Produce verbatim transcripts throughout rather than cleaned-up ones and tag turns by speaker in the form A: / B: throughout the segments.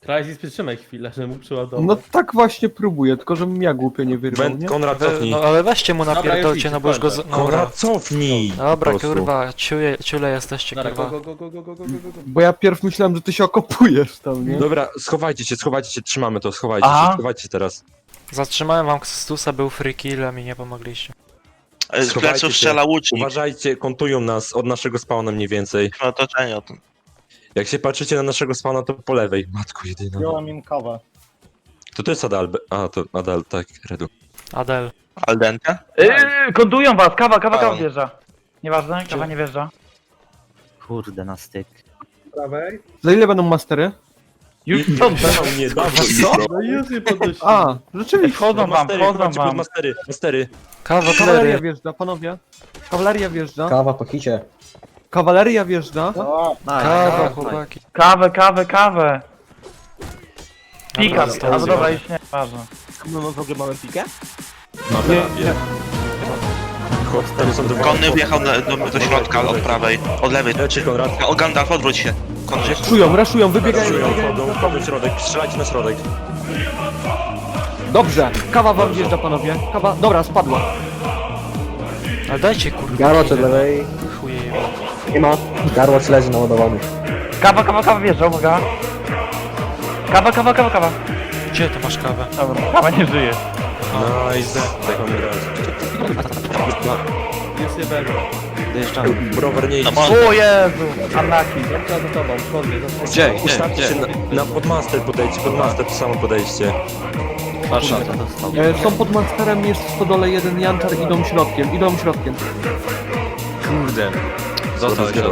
A: Crysis, przytrzymaj chwilę, że mu przeładować.
B: No tak właśnie próbuję, tylko żebym ja głupio nie wyrwał,
C: Ben,
B: nie?
C: Konrad,
D: We,
C: cofnij.
D: no ale weźcie mu
A: Dobra,
D: napierdolcie,
A: już
D: no
A: idź,
D: bo już go... z-
A: kończę.
D: Dobra,
C: Konrad, cofnij! po
D: dobra
C: prostu.
D: kurwa, ciule, ciule jesteście,
A: Dobra, go,
D: kurwa.
A: go, go, go, go, go, go, go, go.
B: Bo ja pierw myślałem, że ty się okopujesz tam, nie?
C: Dobra, schowajcie się, schowajcie się, trzymamy to, schowajcie
E: Aha.
C: się, schowajcie się teraz.
D: Zatrzymałem wam Kstusa, był free kill, a mi nie pomogliście.
F: E, Z
C: Schowajcie
F: pleców
C: się.
F: strzela łucznik.
C: Uważajcie, kontują nas od naszego spawna mniej więcej.
F: W otoczeniu.
C: Jak się patrzycie na naszego spawna, to po lewej. Matko jedyna.
E: Wziąłem im kawę.
C: To to jest Adal. A, to Adal, tak, Redu.
D: Adel.
F: Al dente?
E: Yy, kondują was, kawa, kawa, kawa
F: A.
E: wjeżdża. Nieważne, kawa nie wjeżdża.
G: Kurde, na styk.
A: Prawej.
B: Za ile będą mastery?
E: Już są,
C: Nie, dawno.
A: No i już nie podnosi.
B: A, rzeczywiście.
E: wchodzą wam,
C: Mastery,
E: wchodzą
C: chodźcie pod
E: wam.
C: mastery, mastery.
D: Kawa,
B: Kawaleria
D: klery.
B: wjeżdża, panowie. Kawaleria wjeżdża.
H: Kawa po hicie.
B: Kawaleria wjeżdża.
D: Kawa, chłopaki.
E: Kawę, kawę, kawę. Pika,
D: Dobra,
E: albo dobra, już nie, ważne.
G: No, no w ogóle mamy pikę?
C: Mamy rabię. Chodź, tam są dwa.
F: Konny wjechał na, do, do środka od prawej, od lewej.
C: Leczy Konrad.
F: O, Gandalf, odwróć się. Konny.
B: Raszują, raszują, wybiegają.
C: Raszują,
B: wybiegają.
C: wchodzą, wchodzą w środek, strzelajcie na środek.
B: Dobrze, kawa wam wjeżdża, panowie. Kawa, dobra, spadła.
D: Ale dajcie kurwa.
H: Garłacz od lewej.
D: Chuje.
H: Nie ma. Garłacz leży naładowany.
E: Kawa, kawa, kawa wjeżdża, uwaga. Kawa, kawa, kawa, kawa.
D: Gdzie ty masz kawę?
E: Dobra, kawa nie żyje.
C: Nice. Tak mamy grać.
A: Już nie będę.
G: Dojeżdżamy.
C: Browar nie idź.
E: O Jezu, Anaki.
A: Ja za tobą, konny, za tobą.
F: Gdzie?
C: Ustawcie się na, na podmaster podejdźcie, podmaster to samo podejście.
G: Patrz, to dostał.
B: E, są pod masterem, jest w stodole jeden janczar, idą środkiem, idą środkiem.
G: Kurde. Został się.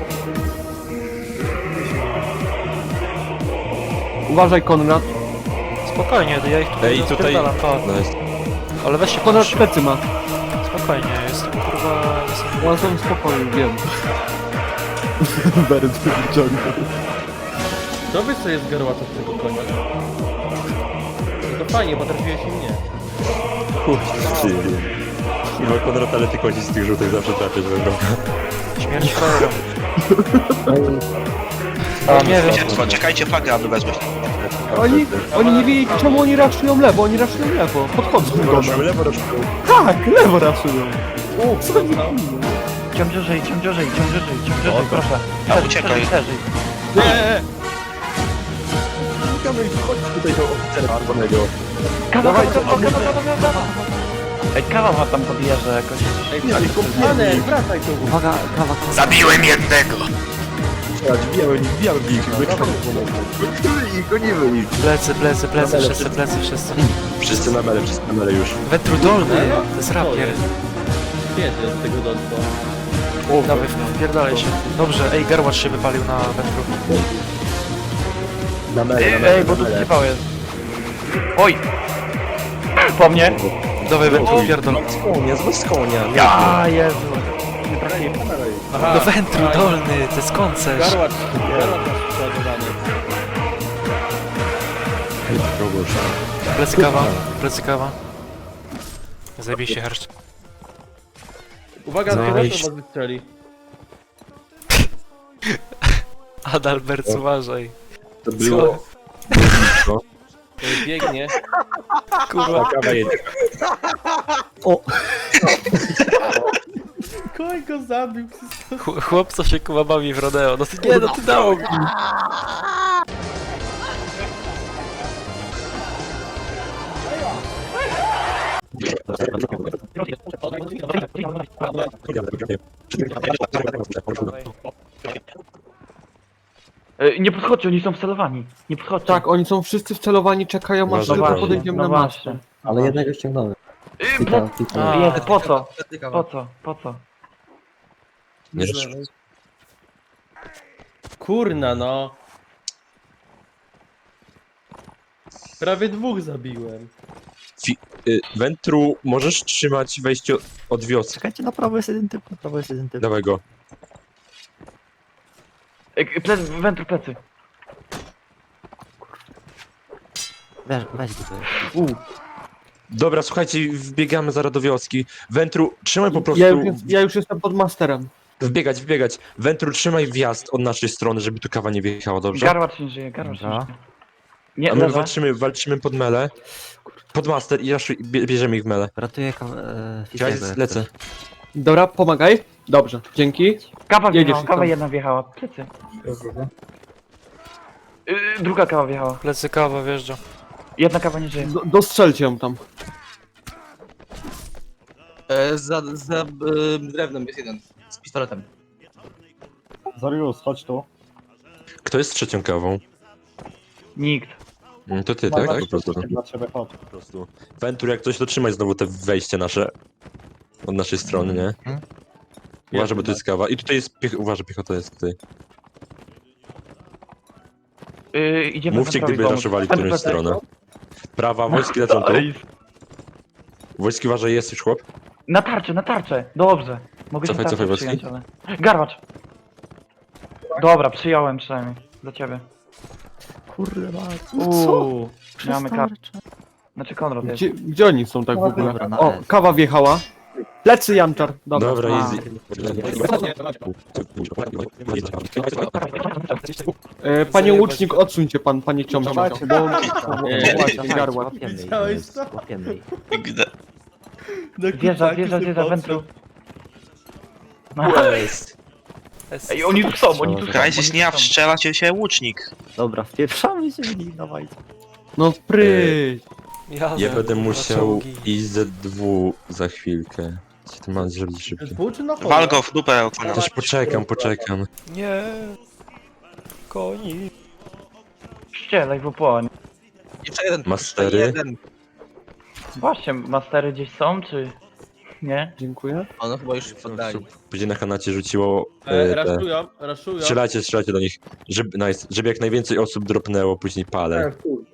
B: Uważaj, Konrad.
D: Spokojnie, ja ich tutaj
C: Ej, tutaj...
D: rozpierdalam, to.
C: Nice.
D: Ale weźcie
B: Konrad
D: podnoś.
B: plecy ma.
D: Spokojnie, jestem kurwa... Jestem...
B: One są spokojni, wiem. Bardzo wyciągnął.
A: Kto wie, co jest garłacza z tego konia? No to fajnie, bo trafiłeś i mnie.
C: Kurczę. Chyba Konrad, ale ty kości z tych żółtych zawsze trafiać będą.
D: Śmierć frajerą. Nie wiem,
F: Gdzie? Czekajcie flagę, aby wezwać.
B: Oni, oni nie wiedzieli, czemu oni raszują lewo, oni raszują lewo. Podchodzą do nas.
C: Lewo ruszył.
B: Tak, lewo raszują.
A: O, co tam?
E: Ciąg żyj, ciąg żyj, ciąg żyj, ciąg żyj, proszę.
F: A, uciekaj.
E: Przeżyj.
A: Nie!
C: Tutaj do oficera czerwonego.
E: Kawa, kawa, kawa, kawa, kawa, kawa, kawa. Ej, kawa ma tam podjeżdża jakoś.
A: Ej, ale kompany, wracaj tu.
G: Uwaga, kawa.
F: Zabiłem jednego!
C: Wbijamy, wbijamy w nich. Gonimy ich.
D: plecy, plecy, plecy, wszyscy, plecy, wszyscy.
C: Wszyscy na mele, wszyscy na mele już.
D: Wetru dolny, to jest rapier.
A: Kiedy z tego dotknął?
D: O, dawaj, wpierdalaj się. Dobrze, ej, garłacz się wypalił na wetru.
C: Na mele,
E: Ej,
C: na mele,
E: ej, bo
C: na
E: tu
C: mele.
E: zjebał jest. Oj! Po mnie?
D: Dawaj, wetru, pierdol.
C: Z konia, z konia.
E: Ja, Jezu. Nie trafiłem.
A: Aha,
D: Do wentru dolny, to jest koncert.
A: garłacz, garłacz masz przeładowany.
D: Plecy kawa, plecy kawa. Zabij się, herszcz.
A: Uwaga,
C: Nice.
A: nice. was wystrzeli.
D: Adalbert, uważaj.
C: To było...
A: Ej, biegnie.
D: Kurwa.
C: Kawa jedzie.
A: Koń go zabił.
D: Ch- Chłop, co się kuba bawi w rodeo. No ty nie, no ty dało mi.
E: Ej, nie podchodźcie, oni są wcelowani. Nie podchodźcie.
B: Tak, oni są wszyscy wcelowani, czekają aż
C: No
B: tylko
C: właśnie,
B: podejdziemy
E: no
B: na
E: właśnie.
B: masztę.
H: Ale jednego ściągnąłem.
E: Ej,
H: Pika,
E: ple-
H: pika.
D: A.
E: Jezu, po co? Po co? Po co?
C: Nie,
A: Kurna, no. Prawie dwóch zabiłem.
C: y, Wentru, możesz trzymać wejście od wioski.
G: Czekajcie, na prawo jest jeden typ, na prawo jest jeden typ.
C: Dawaj go.
E: Ej, plec, wętru plecy.
G: Weź, weź go tutaj.
C: Dobra, słuchajcie, wbiegamy zaraz do wioski. Wentru, trzymaj po prostu...
B: Ja już, jest- ja już jestem pod masterem.
C: Wbiegać, wbiegać. Wentru, trzymaj wjazd od naszej strony, żeby tu kawa nie wjechała, dobrze?
E: Garłacz nie żyje, garłacz nie
G: Dobra.
E: żyje. Nie,
C: A my
E: lewa.
C: walczymy, walczymy pod mele. Pod master i raszuj, bie, bierzemy ich w mele.
G: Ratuję kaw... E,
C: Ja
G: Fizego, jak
C: lecę.
G: coś.
B: Dobra, pomagaj. Dobrze, dzięki.
E: Kawa
B: Jedziesz
E: wjechała,
B: i
E: kawa
B: tam.
E: jedna wjechała. Plecy. Yy, druga kawa wjechała.
D: Plecy kawa wjeżdża.
E: Jedna kawa nie żyje.
B: Do, dostrzelcie ją tam.
I: E, za za e, drewnem jest jeden. Z pistoletem.
H: Zarius, chodź tu.
C: Kto jest trzecią kawą?
E: Nikt.
C: Mm, To ty, tak? Po prostu.
H: Dla ciebie, chodź.
C: Po prostu. Ventur, jak coś, to trzymaj znowu te wejście nasze. Od naszej strony, nie? Uważaj, bo tu jest kawa. I tutaj jest piech... Uważaj, piechota jest tutaj.
E: Yy, idziemy
C: Mówcie,
E: centrowi
C: gdyby
E: pomóc.
C: raszowali
E: Centrum
C: którąś
E: plecy.
C: stronę. Prawa, wojski lecą tu. Wojski, uważaj, jest już chłop.
E: Na tarczę, na tarczę. Dobrze. Mogę
C: Cofaj,
E: się
C: cofaj,
E: tarczę
C: Wojski.
E: przyjąć, ale... Garwacz. Dobra, przyjąłem przynajmniej. Dla ciebie.
G: Kurde, ma...
E: Uuu, mamy
G: Przestań.
E: kar... Znaczy Konrad jest.
B: Gdzie, gdzie oni są tak w ogóle?
G: Dobra, na
B: O,
G: S.
B: kawa wjechała. Plecy Janczar. Dobra.
C: Dobra,
E: A.
C: easy.
B: E, panie łucznik, odsuńcie pan, panie ciągle. Bo...
A: Nie.
B: Właśnie, garła.
G: Łapiemy ich,
A: Widziałeś to?
G: łapiemy ich.
F: Gdy.
E: Wjeżdża, wjeżdża, wjeżdża, wentru. Ej, oni tu są, oni tu są.
F: Kajzis nie
E: oni tu są.
F: wstrzela cię się łucznik.
G: Dobra, wpieprzamy się w nich, dawajcie.
B: No pryć.
D: Jadę.
C: Ja będę
D: na
C: musiał
D: czołgi.
C: iść ze dwu za chwilkę. Co ty masz zrobić szybko?
A: Dwóch czy na pole?
F: Wal go w dupę, Konrad.
C: Też poczekam, poczekam.
D: Nie. Koni.
E: Ścielaj w opłonie.
I: Jeszcze jeden.
C: Mastery?
I: Jeszcze jeden.
E: Właśnie, mastery gdzieś są, czy... Nie?
B: Dziękuję.
I: Ono chyba już się poddali.
C: Później na kanacie rzuciło
A: E,
C: e, te...
A: raszują, raszują.
C: Strzelajcie, strzelajcie do nich. Żeby, nice, żeby jak najwięcej osób dropnęło później palę.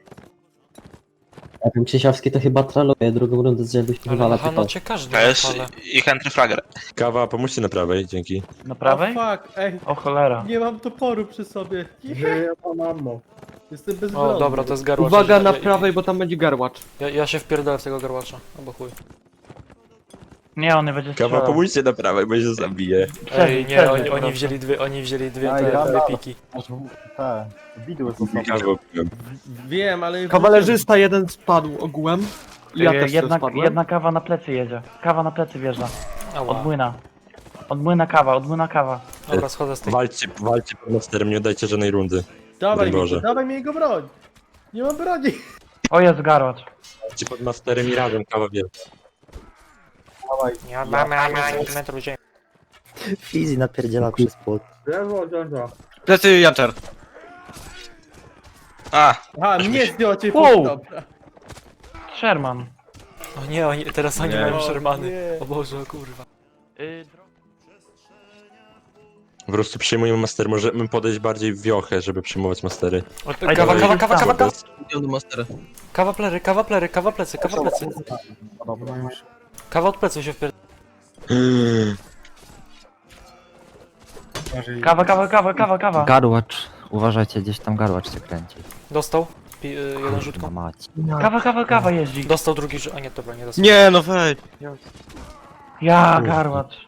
H: A ten Krzysiowski to chyba troluje drugą rundę z rzędu się
D: Ale
H: wywala
D: na
H: tylko.
D: hanocie każdy
F: To jest
D: odpala.
F: ich entry flagger.
C: Kawa, pomóżcie na prawej, dzięki.
E: Na prawej?
A: O fuck, ej,
E: O cholera.
A: nie mam toporu przy sobie. Nie, Jestem bezbronna.
D: O, dobra, to jest garłacz.
B: Uwaga
D: Ja-
B: na
D: ja-
B: prawej, bo tam będzie garłacz.
D: Ja, ja się wpierdolę w tego garłacza. Albo chuj.
E: Nie, on nie będzie
C: Kawa,
E: strzelał.
C: pomóżcie na prawej, bo się zabije.
D: Ej, nie,
E: Przeżyj,
D: oni, oni
E: proszę.
D: wzięli dwie, oni wzięli dwie
H: Daj,
D: te
H: dam,
D: dwie
H: dam.
D: piki.
H: Te, widły są
C: Kawa,
A: Wiem, ale...
B: Kawalerzysta jeden spadł ogółem. I ja
E: Yy,
B: też
E: jedna,
B: spadłem.
E: jedna kawa na plecy jedzie. Kawa na plecy wjeżdża. Od
D: Ała.
E: młyna. Od młyna kawa, od młyna kawa.
D: Dobra, schodzę z tej.
C: walczcie, walczcie pod masterem, nie oddajcie żadnej rundy.
A: Dawaj mi,
C: Boże.
A: dawaj mi jego broń. Nie mam broni.
E: O, jest garłacz.
C: Walczcie pod masterem i razem, kawa wie.
D: Nie mamy ani centymetru ziemi.
G: Fizi napierdziela przez płot.
I: Plecy Janczar.
F: A,
A: Aha, mnie zdjął cię
E: Wow.
A: dobra.
E: Sherman.
D: O nie, oni, teraz oni
C: Nie.
D: mają
A: O,
D: Shermany.
A: nie.
D: O Boże, o kurwa.
E: Yy,
C: Po prostu przyjmujemy master, możemy podejść bardziej w wiochę, żeby przyjmować mastery.
D: O, Kawa, kawa, kawa, kawa, kawa.
I: Idę do Mastera.
D: Kawa plery, kawa plery, kawa plecy, kawa plecy. Kawa od plecy się wpierdolę.
E: kawa, kawa, kawa, kawa, kawa.
G: Garłacz, uważajcie, gdzieś tam garłacz się kręci.
D: Dostał. Pi, y, jeden
G: Na
D: rzutką.
G: mać.
E: Kawa, kawa, kawa jeździ.
D: Dostał drugi rzut. A nie, dobra, nie dostał.
I: Nie, no wejdź.
E: Ja, garłacz.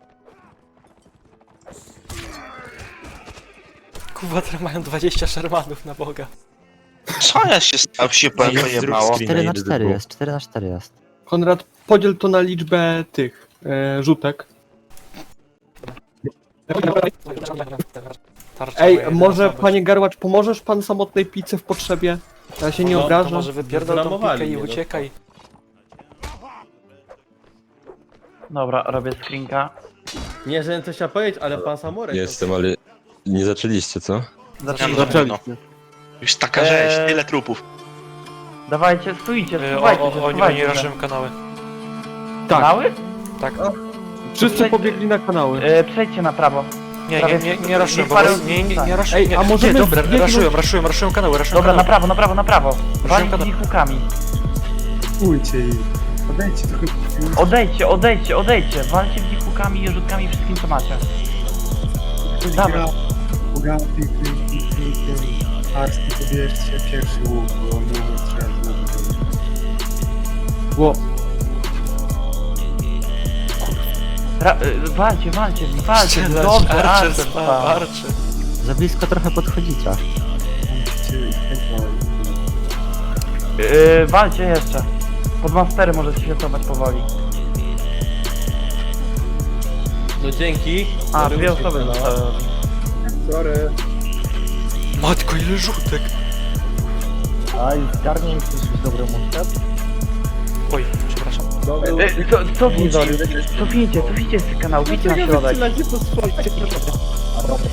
D: Kurwa, teraz mają dwadzieścia Shermanów na Boga.
F: co jest się stało? Się
C: Zrób
F: pojebało.
C: screen.
G: cztery na
C: idę do
G: cztery
C: dwóch.
G: jest, cztery na cztery jest.
B: Konrad, podziel to na liczbę tych e, rzutek.
D: Tarcza
B: Ej,
D: moja
B: może
D: jedyna
B: panie garłacz, pomożesz pan samotnej picy w potrzebie? Ja się nie
A: No,
D: To
B: obrażam.
D: może wypierdol tą
A: Zramowali
D: pikę i
A: mnie, no.
D: uciekaj.
E: Dobra, robię screenka.
A: Nie, że coś chciał powiedzieć, ale pan Samurek...
C: Jestem, ale nie zaczęliście, co?
E: Zaczynamy.
B: Zaczęliśmy.
F: Już taka rzeź,
E: Eee.
F: tyle trupów.
E: Dawajcie, stójcie,
D: Y, O,
E: schowajcie
D: o,
E: się,
D: oni, oni
E: schowajcie się.
D: raszują kanały.
B: Tak,
E: Kanały?
D: Tak.
B: wszyscy pobiegli na kanały.
E: Yy, przejdźcie na prawo.
D: Nie, nie, nie, nie raszują,
E: Niech
D: bo
E: parę-
D: nie, nie, nie raszują.
B: Ej,
D: nie,
B: a możemy
D: nie, dobra,
B: zbiegnąć-
D: raszują, raszują, raszują kanały, raszują
E: Dobra, na
D: kanały.
E: prawo, na prawo, na prawo. Walić
D: kanał.
E: z nich łukami.
J: Pójdźcie i podejdźcie trochę.
E: Odejdźcie, odejdźcie, odejdcie. Walcie w nich łukami, rzutkami, wszystkim co macie. Dawaj.
J: Ugaty, kryki, kryki, arski, pobierzcie pierwszy łuk, bo on długo strzela z nogi.
B: Bo
E: Ra y, walcie, walcie, w nich, walcie.
D: Strzelać,
E: Dobrze,
D: Archer,
E: Archer,
D: spa,
E: spa.
D: Archer.
G: Za blisko trochę podchodzicie.
J: Musicie ich chętnie.
E: Yy, walcie jeszcze. Pod mastery możecie się cofać powoli.
A: No dzięki.
E: A,
A: Sorry,
E: dwie
A: uciekł,
E: osoby
A: no.
E: zostały.
J: Sorry.
D: Matko, ile rzutek!
H: Aj, zgarnij mi coś dobry muszkat.
D: Oj, przepraszam.
E: Yy, co, cofnij Zorius. Cofnijcie, cofnijcie z kanału, idźcie na środek.
H: A dobra,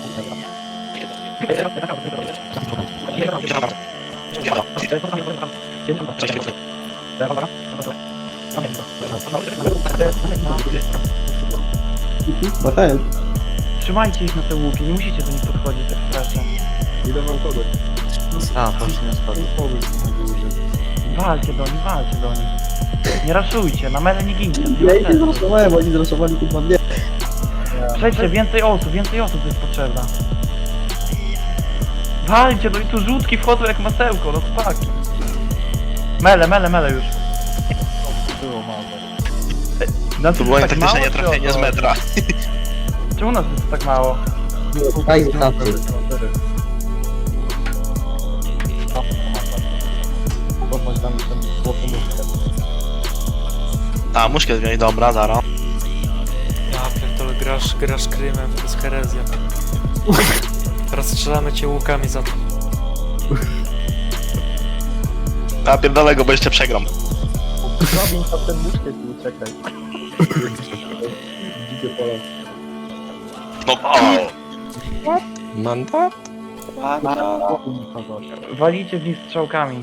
E: Trzymajcie ich na te łuki, nie musicie do nich podchodzić tak strasznie.
J: Idę wam kogoś.
G: A, poszli na schody.
E: Walcie do nich, walcie do nich. Nie raszujcie, na mele nie gincie.
H: ja ich nie zraszowałem, oni zraszowali kurwa mnie.
E: Przejdźcie, więcej osób, więcej osób jest potrzebna. Walcie, no i tu rzutki wchodzą jak masełko, no chłopaki. Mele, mele, mele już.
H: Było mało.
E: Na
F: To było
E: tak
F: taktyczne
E: mało,
F: nietrafienie
E: czy
F: z
E: o to?
F: metra.
E: Czemu nas jest tak mało?
H: Daj znaczy. Podnoś tam ten złoty muszkat.
F: A, muszkę wziąć, dobra, zara.
D: Ja pierdolę, grasz, grasz krymem, to jest herezja. Rozstrzelamy cię łukami za to.
F: A pierdolę go, bo jeszcze przegram.
H: Zrobię tam ten muszkat i uciekaj.
J: Dzikie pola.
F: No, o!
C: Mandat?
E: Walicie w nich strzałkami.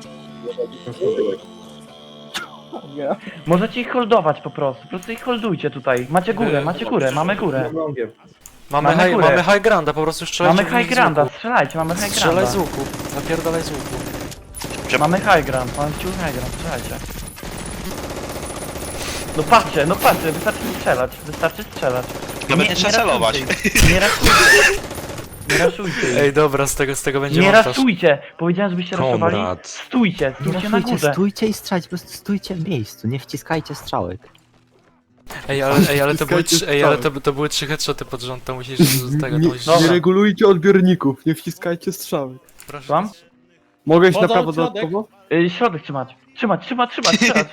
H: Nie.
E: Możecie ich holdować po prostu, po prostu ich holdujcie tutaj. Macie górę, macie górę, mamy górę.
J: Longiem.
D: Mamy,
E: Mamy
D: high,
E: górę.
D: mamy high granda, po prostu strzelajcie
E: Mamy
D: w nich
E: high
D: z
E: granda,
D: łuku.
E: strzelajcie, mamy high
D: Strzelaj z
E: granda.
D: łuku, napierdalaj z łuku.
E: Mamy high ground, mamy wciąż high ground, strzelajcie. No patrzcie, no patrzcie, wystarczy strzelać, wystarczy strzelać.
F: Nawet nie trzeba celować.
E: raszujcie, Nie raszujcie. Nie raszujcie.
D: Ej, dobra, z tego, z tego będzie
E: Nie
D: montaż.
E: raszujcie! Powiedziałem, żebyście raszowali.
C: Komrad.
E: Stójcie,
G: Nie
E: stójcie na
G: raszujcie,
E: górze.
G: stójcie i strzelajcie, po prostu stójcie w miejscu, nie wciskajcie strzałek.
D: Ej, ale, ej, ale to były
B: Wciskajcie
D: trzy, ej, ale to,
B: strzały.
D: to były trzy headshoty pod rząd, to musisz z tego, to
B: Nie,
D: musisz...
B: nie regulujcie odbiorników, nie wciskajcie strzały.
D: Proszę.
E: Słucham?
B: Mogę iść na
A: Wchodzą
B: prawo
A: w środek.
B: dodatkowo?
E: Y, środek trzymać. Trzymać, trzymać, trzymać, trzymać.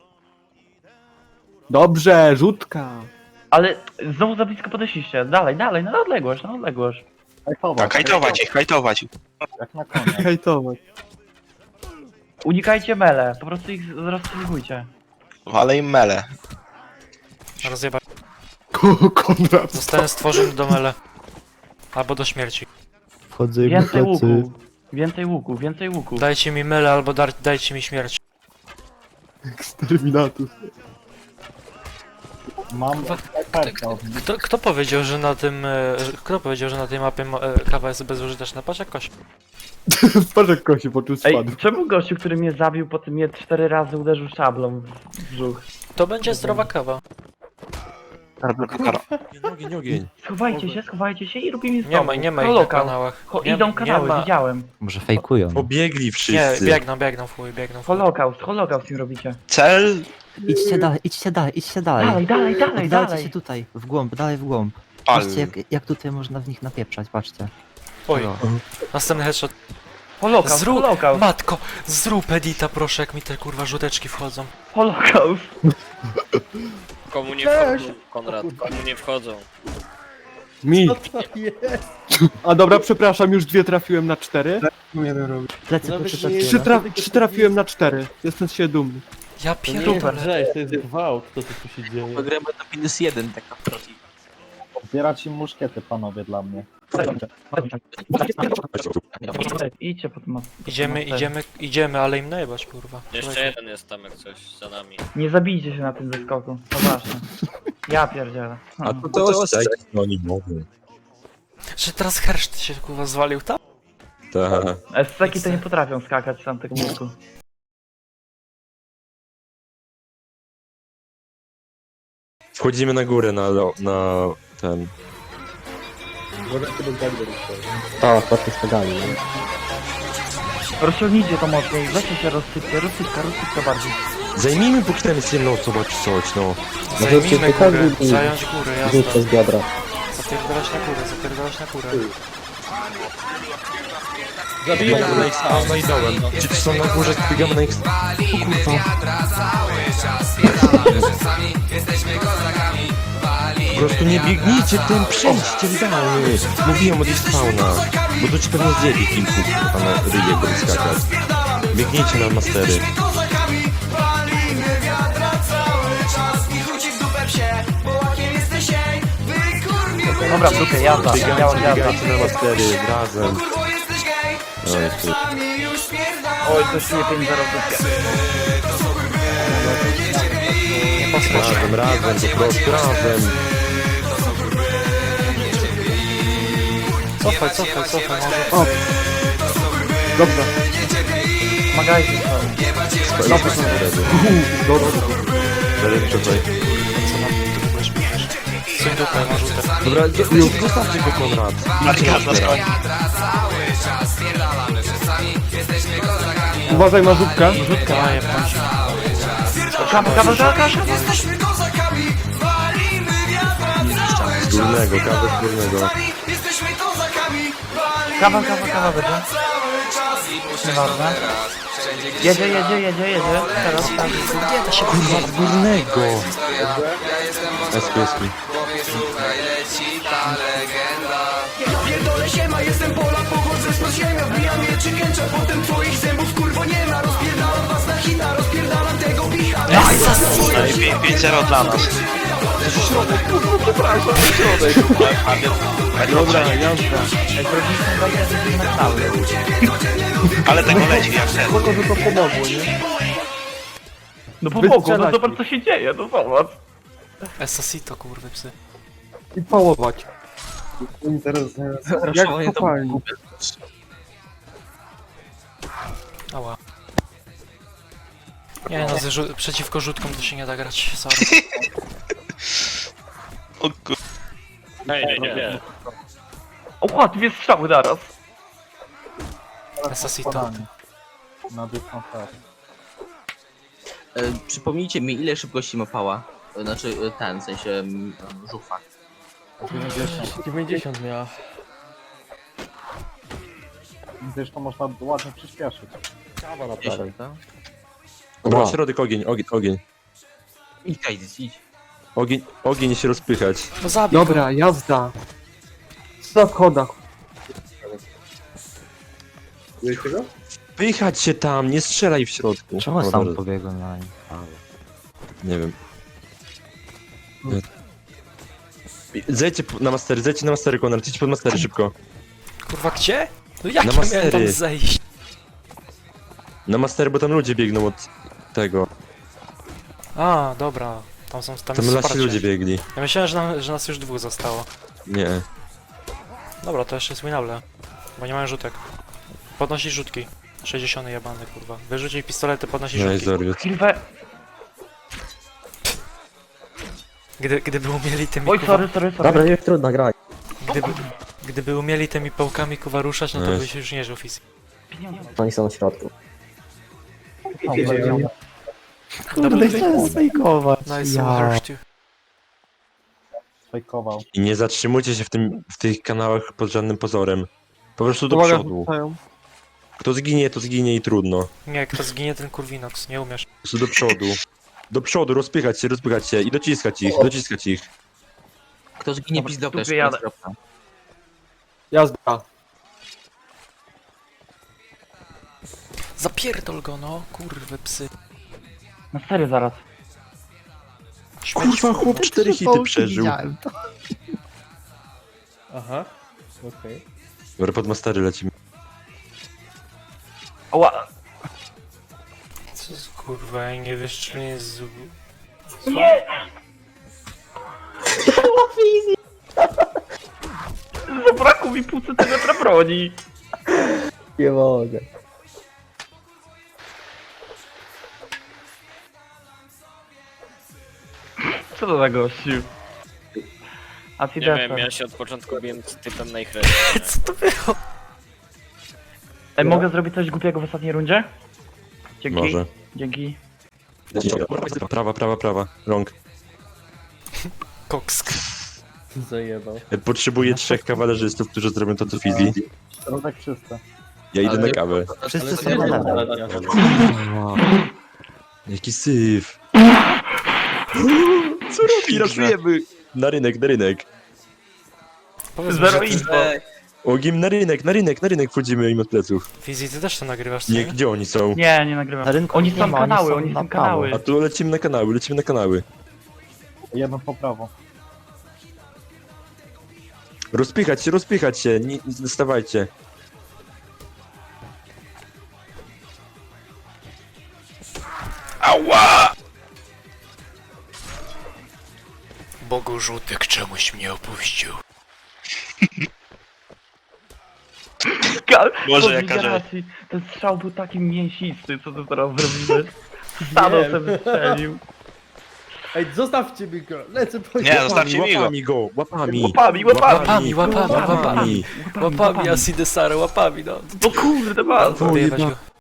B: Dobrze, rzutka.
E: Ale znowu za blisko podeszliście. Dalej, dalej, na odległość, na odległość.
H: Hajtować.
F: Tak, hajtować ich, hajtować.
H: Jak na konia.
B: Hejtować.
E: Unikajcie mele, po prostu ich rozstrzygujcie.
F: Ale im mele.
D: Rozjebać.
B: Ko- Konrad.
D: Zostałem stworzony do mele. Albo do śmierci.
G: Wchodzę im
E: Więcej
G: plecy.
E: łuku. Więcej łuku, więcej łuku.
D: Dajcie mi mele, albo dar, dajcie mi śmierć.
B: Exterminatus.
H: Mam kartę od nich.
D: Kto, kto powiedział, że na tym... e, że- Kto powiedział, że na tej mapie mo- e, kawa jest bezużyteczna? Patrz jak koś.
B: Patrz jak kosi poczuł
E: Ej,
B: spadł.
E: czemu gościu, który mnie zabił, potem mnie cztery razy uderzył szablą w brzuch?
D: To będzie zdrowa kawa.
C: Nie, ogień, ogień.
E: Schowajcie się, schowajcie się i robimy
D: Nie ma, nie ma ich na
E: Lokal.
D: kanałach.
E: Ho,
D: Nie-
E: idą
D: nie
E: kanały,
D: ma-
E: widziałem.
G: Może fejkują.
C: Pobiegli
D: Nie,
C: wszyscy.
D: biegną, biegną w chuj, biegną w chuj.
E: Holokaust, holokaust im robicie.
F: Cel...
G: Idźcie dalej, idźcie dalej, idźcie dalej.
E: Dalej, dalej, dalej,
G: Oddalcie
E: dalej.
G: się tutaj, w głąb, dalej w głąb.
F: Pal.
G: Patrzcie jak, jak tutaj można w nich napieprzać, patrzcie.
D: Oj,
G: O.
D: następny headshot.
E: Holokaust,
D: Zrób,
E: holokaust,
D: matko, zrób edita proszę, jak mi te kurwa żółteczki wchodzą.
E: holokaust.
K: Komu nie wchodzą, Konrad, komu nie wchodzą.
B: Mi.
A: Co to jest?
B: A dobra, przepraszam, już dwie trafiłem na cztery.
J: No jeden robi.
G: Plecy,
A: Nawet
G: plecy,
A: nie-
G: plecy.
B: Trzy, traf- trzy trafiłem na cztery. Jestem z siebie dumny.
D: Ja
A: To nie jest
D: pierdolę.
A: rzeź, to jest gwałt, to co tu się dzieje.
I: Gramy na minus jeden, tak naprawdę.
H: Zbierać im muszkiety, panowie, dla mnie.
E: Idźcie po tym.
D: Idziemy, idziemy, idziemy, ale im najebać kurwa.
K: Jeszcze jeden jest tam jak coś za nami.
E: Nie zabijcie się na tym zeskoku, to ważne. Ja pierdzielę.
C: A to to ostrzej. No nie mogę.
D: Że teraz herszt się kurwa zwalił tam?
C: Tak.
E: S-ceki to nie potrafią skakać z tamtego łuku.
C: Wchodzimy na górę na, lo- na ten.
J: Uważajcie, bo tak będzie.
H: Tak, patrzę z pedali, nie?
E: Rozciągnijcie to mocniej, weźcie się rozsypcie, rozsypka, rozsypka bardziej.
C: Zajmijmy póki tam jest jedną osobą czy coś, no.
D: Zajmijmy górę, zająć górę, jasne.
H: z biodra.
D: Zapierdalać na górę, zapierdalać na górę.
A: Zabiję
C: No i sam, no i dołem. Ci tu są na górze, biegamy na ich... O kurwa. Po prostu nie biegnijcie tym, przejdźcie idealnie. Mówiłem od ich spawna. Bo tu ci pewnie zjebie kilku, a na ryje będą skakać. Biegnijcie na mastery.
E: Dobra, słuchaj, jazda,
C: Biegajcie,
E: jazda, jazda.
C: biegajcie na mastery, razem. No jest tu.
E: Oj, coś czuję pięć zero w dupie.
C: Razem, razem, po prostu razem.
D: Cofaj, cofaj, cofaj, może.
B: O! Dobrze.
E: Magazyn.
C: Spajmy są ready.
B: Dobra, dobra.
C: Ready tutaj.
D: Suń dupę, ma rzutę.
C: Dobra, już zostawcie go, Konrad.
F: Marka zaskoczy.
B: Uważaj, marzówkę.
D: Rzutka, a jebać.
E: Kawa, kawa, kawa, kawa.
C: Z górnego, kawę z górnego.
E: Kawa, kawa, kawa będzie. Nieważne. Jedzie, jedzie, jedzie, jedzie. Teraz tak.
C: Kurwa, z górnego. Eski, eski.
F: pięć zero dla nas.
B: Dobra, jazda.
F: Ale tego leci jak ten.
B: Spoko, że to pomogło, nie?
E: No pomogło, no
B: Wystrzelać
E: zobacz
B: ich.
E: co się dzieje, no zobacz.
D: Esasito, kurwy psy.
B: I pałować.
J: Oni zaraz, zaraz.
B: Jak kopalni.
D: Ała. Nie no, z rzu- przeciwko rzutkom to się nie da grać, sorry.
F: O kur...
K: Ej, nie, nie.
E: O, dwie strzały naraz.
D: Esasito.
H: Na biegną tak.
I: E, przypomnijcie mi, ile szybkości ma pała? E, Znaczy e, ten, w sensie m, żuchwa.
A: dziewięćdziesiąt miała.
H: Zresztą można ładnie przyspieszyć.
A: Kawa na
I: dziesięć, tak?
C: Dobra, środek, ogień, ogień, ogień.
I: Idź, Kajdy, idź.
C: Ogień, ogień się rozpychać.
D: No zabij go.
B: Dobra, jazda. Na schodach.
J: Wiecie go?
C: Pychać się tam, nie strzelaj w środku.
G: Czemu
C: O,
G: sam
C: dobra,
G: pobiegłem na nim?
C: Nie wiem. Zejdźcie po- na mastery, zejdźcie na mastery, Konrad, idź pod mastery szybko.
D: Kurwa, gdzie? No jak
C: Na
D: ja miałem tam
C: mastery.
D: zejść?
C: Na mastery, bo tam ludzie biegną od tego.
D: A, dobra. Tam są, tam
C: Tam
D: jest
C: nasi
D: wsparcie.
C: ludzie biegli.
D: Ja myślałem, że, nam, że nas już dwóch zostało.
C: Nie.
D: Dobra, to jeszcze jest winable. Bo nie mają rzutek. Podnosić rzutki. sześćdziesiąt jebany, kurwa. Wyrzucić pistolety, podnosić
C: No i
D: rzutki.
C: Zorwiot.
E: Chwilę.
D: Gdy, gdyby umieli tymi
E: Oj,
D: kuwa...
E: sorry, sorry, sorry.
G: Dobra, już trudno grać.
D: Gdyby, gdyby umieli tymi pałkami kuwa ruszać, no to
C: Nice.
D: by się już nie żył fizycznie.
G: Oni są w środku.
D: Kurde,
G: chciałem sfejkować.
D: Nice, ja. hurt you.
H: Fejkował.
C: I nie zatrzymujcie się w, tym, w tych kanałach pod żadnym pozorem. Po prostu do
B: Uwaga,
C: przodu.
B: rzucają.
C: Kto zginie, to zginie i trudno.
D: Nie, kto zginie, ten kurwinox, nie umiesz.
C: Po prostu do przodu. Do przodu, rozpychać się, rozpychać się i dociskać ich, dociskać ich.
I: Kto zginie
E: Dobra,
I: pizdokę,
E: tu
I: jeszcze
E: jadę.
I: kropka.
B: Jazda.
D: Zapierdol go, no, kurwy psy.
E: Na serio zaraz.
C: Kurwa, chłop cztery hity przeżył.
A: Aha. Okej.
C: Dobra, pod mastery lecimy.
E: Ała.
D: Co z kurwa, ja nie wiesz, czy nie z...
E: Zabrakło mi pół centymetra broni.
G: Nie mogę.
E: Co to za gościu? A ty
K: Nie wiem, ja się od początku biłem z typem na ich ręce.
D: Co to było?
E: Ej, mogę zrobić coś głupiego w ostatniej rundzie? Dzięki.
C: Może.
E: Dzięki.
C: Prawa, prawa, prawa. Rąk.
D: Koksk.
A: Zajebał.
C: Potrzebuję trzech kawalerzystów, którzy zrobią to co Fizi.
H: Środek czysto.
C: Ja idę
I: Ale-
C: na kawę.
G: Wszyscy
A: Ale
G: są
A: to
G: na
A: jest
G: lewo.
A: ostatnia.
C: Jaki syf. Co robi? Raszujemy. Na rynek, na rynek.
D: Powiedz mi,
E: Zero
D: że ty...
E: info.
C: Ogim na rynek, na rynek, na rynek wchodzimy im od pleców.
D: Fizi, ty też to nagrywasz, co
C: Nie,
D: nie?
C: gdzie oni są?
E: Nie, nie nagrywam.
G: Na rynku
E: Oni
G: nie
E: są
G: ma, oni
E: kanały,
G: są
E: oni
G: na
E: są
G: prawo.
E: kanały.
C: A tu lecimy na kanały, lecimy na kanały.
H: Jedno po prawo.
C: Rozpychać się, rozpychać się, nie, nie stawajcie.
D: Bogu Żółtek czemuś mnie opuścił.
F: Może jaka rzecz.
E: racji. Ten strzał był taki mięsisty, co ty teraz zrobiłeś? Stado sobie wystrzelił.
A: Ej, zostawcie mi go, lecę po
F: Nie, zostawcie mi go.
C: Łapami go, łapami.
E: Łapami, łapami!
D: Łapami, łapami, łapami.
C: Łapami.
D: Łapami, Asidesary, łapami, no.
E: O kurde, masz!
D: Wyjebać go.